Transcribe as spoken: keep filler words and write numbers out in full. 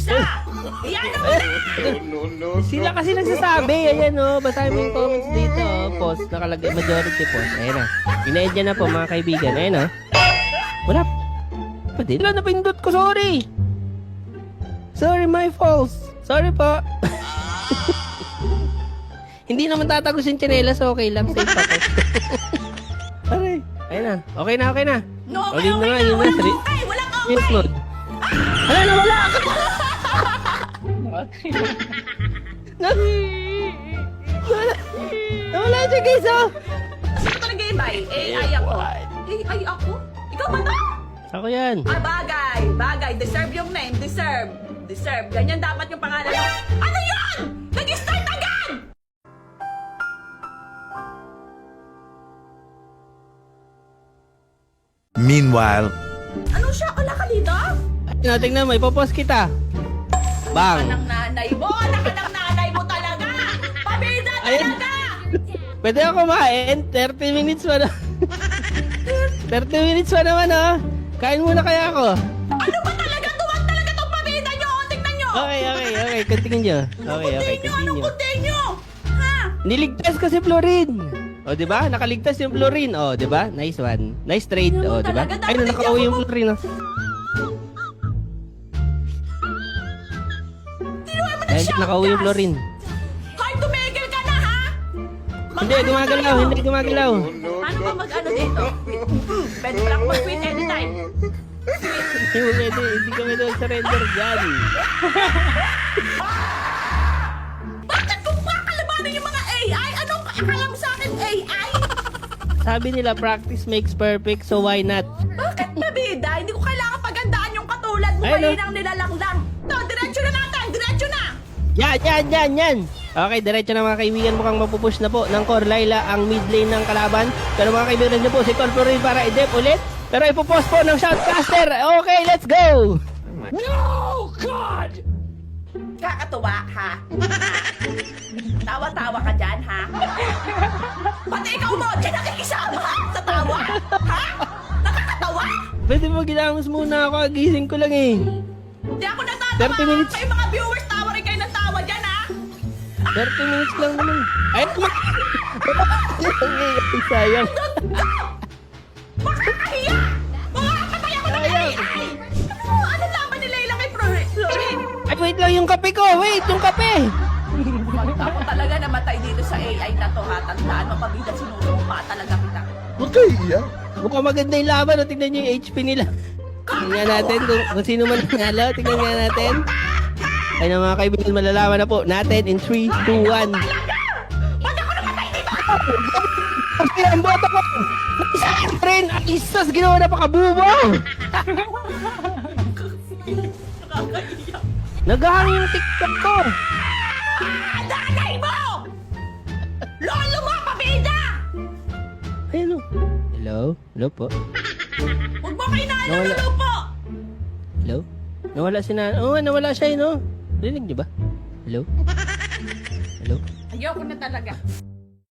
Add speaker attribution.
Speaker 1: Basta! Iyan na mo na!
Speaker 2: Sila kasi nagsasabi. Ayan o. Basahin mo yung comments dito. Oh. Post. Nakalagay. Majority post. Ayan na. Ina-end na po mga kaibigan. Ayan o. Wala. Pwede. Wala na pindot ko. Sorry. Sorry, my fault. Sorry po. Hindi naman tatagos yung tsinelas. Okay lang. Safe ako. Aray. Ayan na. Okay na, okay na.
Speaker 1: No,
Speaker 2: O,
Speaker 1: okay,
Speaker 2: yun na
Speaker 1: okay
Speaker 2: nga,
Speaker 1: na.
Speaker 2: yun na.
Speaker 1: Walang
Speaker 2: Three-
Speaker 1: okay, walang
Speaker 2: Yes,
Speaker 1: okay.
Speaker 2: Lord. Hala na, wala ka. Wala. Wala siya, guys, oh.
Speaker 1: Sino talaga yung bay? A I ako. A I ako? Ikaw ba to?
Speaker 2: Ako yan.
Speaker 1: Ah, bagay. Bagay. Deserve yung name. Deserve. Deserve. Ganyan dapat yung pangalan mo. Ano yun? Nag-start agad!
Speaker 3: Meanwhile,
Speaker 1: Ano siya? Ala ka dito?
Speaker 2: Tingnan, tingnan mo. Ipopost kita. Bang.
Speaker 1: Anang nanay mo. Anak ng nanay mo talaga. Pabida
Speaker 2: Ayun.
Speaker 1: talaga.
Speaker 2: Pwede ako kumain. thirty minutes pa na. thirty minutes pa naman, oh. Kain muna kaya ako.
Speaker 1: Ano ba talaga? Tuwag talaga tong pabida nyo. Tingnan nyo.
Speaker 2: Okay, okay, okay. Continue nyo. Okay, okay.
Speaker 1: Continue. Anong
Speaker 2: Continue.
Speaker 1: continue? Ha?
Speaker 2: Niligtas kasi Florin. O, di ba? Nakaligtas yung Florin. O, di ba? Nice one. Nice trade. O, di ba?
Speaker 1: Talaga,
Speaker 2: Ay,
Speaker 1: dapat
Speaker 2: nakauwi
Speaker 1: hindi
Speaker 2: yung
Speaker 1: ako-
Speaker 2: Florin, oh.
Speaker 1: Tinuha mo na
Speaker 2: Dahil
Speaker 1: siya.
Speaker 2: nakauwi yung Florin.
Speaker 1: Hoy, tumigil ka na, ha?
Speaker 2: Hindi, gumagalaw. Hindi gumagalaw.
Speaker 1: Paano ba mag-ano dito? Pwede pa lang mag-quit anytime.
Speaker 2: Hindi mo pwede. Hindi kami doon surrender dyan.
Speaker 1: Bakit kung kakalabanin yung mga A I? Anong akala mo sa akin, A I?
Speaker 2: Sabi nila, practice makes perfect, so why not?
Speaker 1: Bakit mabida? Hindi ko kailangan pagandaan yung katulad mo.
Speaker 2: Ay, no.
Speaker 1: Mahinang nilalang lang. To, diretso na natin. Diretso na.
Speaker 2: Yan, yan, yan, yan! Okay, diretso na mga kaibigan. Mukhang mapupush na po ng Core Laila ang mid lane ng kalaban. Pero mga kaibigan nyo po, si Core Florin para i-dep ulit. Pero ipopost po ng Shoutcaster. Okay, let's go!
Speaker 1: Kakatuwa, ha? Tawa-tawa ka dyan, ha? Pati ikaw mo, dyan nakikisama, ha? Sa tawa, ha? Nakakatawa?
Speaker 2: Pwede mo ginamos muna ako. Gising ko lang eh.
Speaker 1: Di ako natatawa.
Speaker 2: thirty minutes.
Speaker 1: Kayo mga viewers, tawa rin kayo ng tawa dyan, ha?
Speaker 2: thirty minutes lang naman. Ay, ma- Ay, sayang.
Speaker 1: Makakahiya! Makakapatay ako ng A
Speaker 2: Sayang.
Speaker 1: I! Ano? Ano laban ni Layla kay Flor- Florin?
Speaker 2: Ay, wait lang yung kape ko. Wait, yung kape.
Speaker 1: Pag ako talaga namatay dito sa A I na to, ha? Tandaan mo, pabida sinulong pa talaga kita.
Speaker 3: huwag kayo iiyak.
Speaker 2: Mukhang maganda yung laban. O, tignan nyo yung H P nila. Tingnan natin kung, kung sino man nanalo. Tingnan nga natin. Ay na mga kaibigan, malalaman na po natin in three, two, one.
Speaker 1: Talaga! Pag ako namatay, di ba?
Speaker 2: Kasi ang boto ko! Isa rin! Ang isas ginawa na pakabubo!
Speaker 1: Nakakahiya.
Speaker 2: Naghahang yung TikTok ko!
Speaker 1: Ah, nanay mo! Lolo mo, pabida!
Speaker 2: Ayun o. Hello? Hello po?
Speaker 1: Huwag mo kayo
Speaker 2: Nawala.
Speaker 1: naalala po!
Speaker 2: Hello? Nawala si na... Oo, nawala siya eh, no? Rinig niyo ba? Hello? Hello?
Speaker 1: Ayoko na talaga.